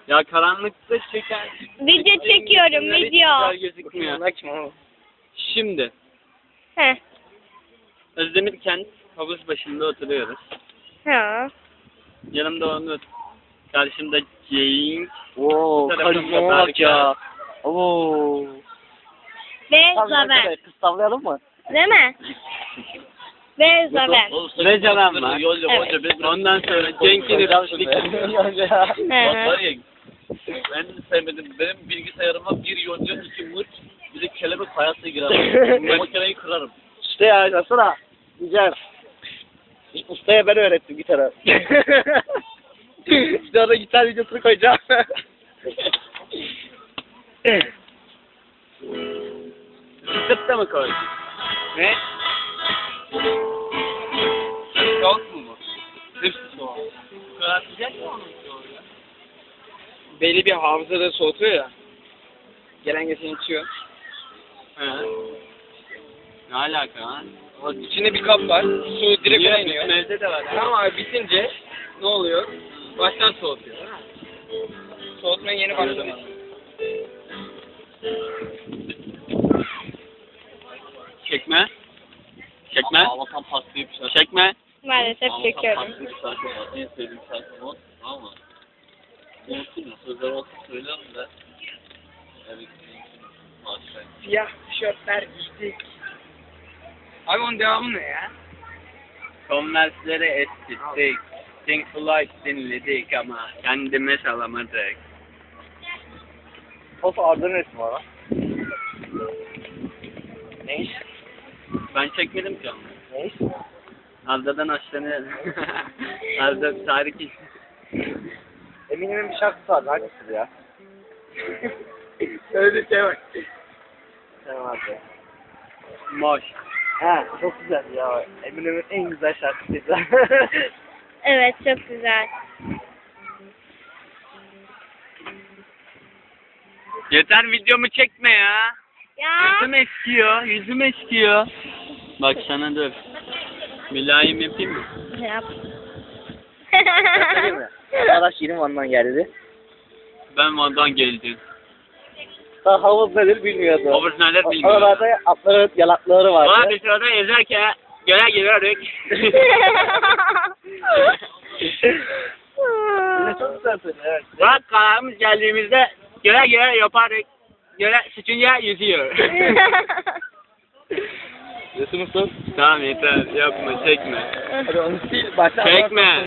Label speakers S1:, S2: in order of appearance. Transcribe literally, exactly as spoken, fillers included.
S1: Ya karanlıkta çeken...
S2: Video çekiyorum,
S1: Bunlar hiç
S2: video.
S1: güzel gözükmüyor.
S3: Açma.
S1: Şimdi
S2: Heh.
S1: Özdemir Kent havuz başında oturuyoruz.
S2: Ha.
S1: Yanımda Onur. Karşımda Cenk.
S3: Oo,
S1: tarafımda
S3: karizmama bak
S1: Berker.
S3: ya. Oo.
S2: Ve
S3: Tamam,
S2: Zaven.
S3: evet, kız tavlayalım mı?
S2: Değil mi? Ve Zaven.
S1: Ve Zaven var.
S2: Evet.
S1: Ondan sonra Cenk'in Rüştük.
S2: Hı hı.
S4: Ben de sevmedim. Benim bilgisayarıma bir yonca, iki mırt, bir de kelebek hayatta girer. Bu makineyi kırarım.
S3: İşte ya, yazsana. Güzel. Ustaya ben öğrettim gitarı. İşte orada gitar videosunu koyacağım.
S1: Sıkıp mı koy?
S3: Ne?
S1: Soğuk mu bu? Hepsi soğuk. Bu kadar sıcak mı onun soğuğu ya?
S3: Belli bir hafızada soğutuyor ya. Gelen geçen içiyor.
S1: He. Ne alaka lan?
S3: O içinde bir kap var. Su direkt ona iniyor.
S1: Bizim evde de var.
S3: Tamam abi, bitince ne oluyor? Baştan soğutuyor. Soğutmaya yeni başlamış.
S1: Çekme. Çekme.
S4: Ağlatan pastayı bir şarkı.
S1: Çekme.
S2: Maalesef
S4: Ağlatan
S2: çekiyorum.
S4: pastayı bir şarkı var. En sevdiğim şarkı o. Ama unuttum ya. Sözler olsa söylerim de. Evet. Maşallah.
S3: Siyah tişörtler giydik. Abi onun devamı ne ya?
S1: Converse'leri eskittik. Think Flight dinledik ama kendime salamadık.
S3: Of, Arda'nın resmi var lan. Ne iş?
S1: Ben çekmedim ki onu.
S3: Ne iş?
S1: Arda'dan hoşlanıyorum. Arda tarih.
S3: Eminem'in bir şarkısı var. Hangisi ya? Öyle bir şey var. Tamam abi.
S1: Moş.
S3: Ha, çok güzel ya. Eminem'in en güzel şarkısıydı.
S2: Evet, çok güzel.
S1: Yeter videomu çekme ya.
S2: Ya.
S1: Yüzüm eskiyor, yüzüm eskiyor. Bak sana dur. Mülayim yapayım mı?
S2: Yap.
S3: Değil mi? Arkadaş yeni Van'dan geldi.
S1: Ben Van'dan geldim.
S3: Daha havuz nedir bilmiyordu.
S1: Havuz nedir bilmiyorum.
S3: Oralarda atları, yalakları vardı.
S1: Bana bir sırada yazarken göle giriyorduk.
S3: Yine çok güzel söylüyor. Evet.
S1: Bak kararımız geldiğimizde göle göle yapardık. Göle sıçınca yüzüyor.
S3: Resim usta.
S1: Tamam yeter yapma çekme.
S3: Hadi onu sil. Baştan
S1: Çekme.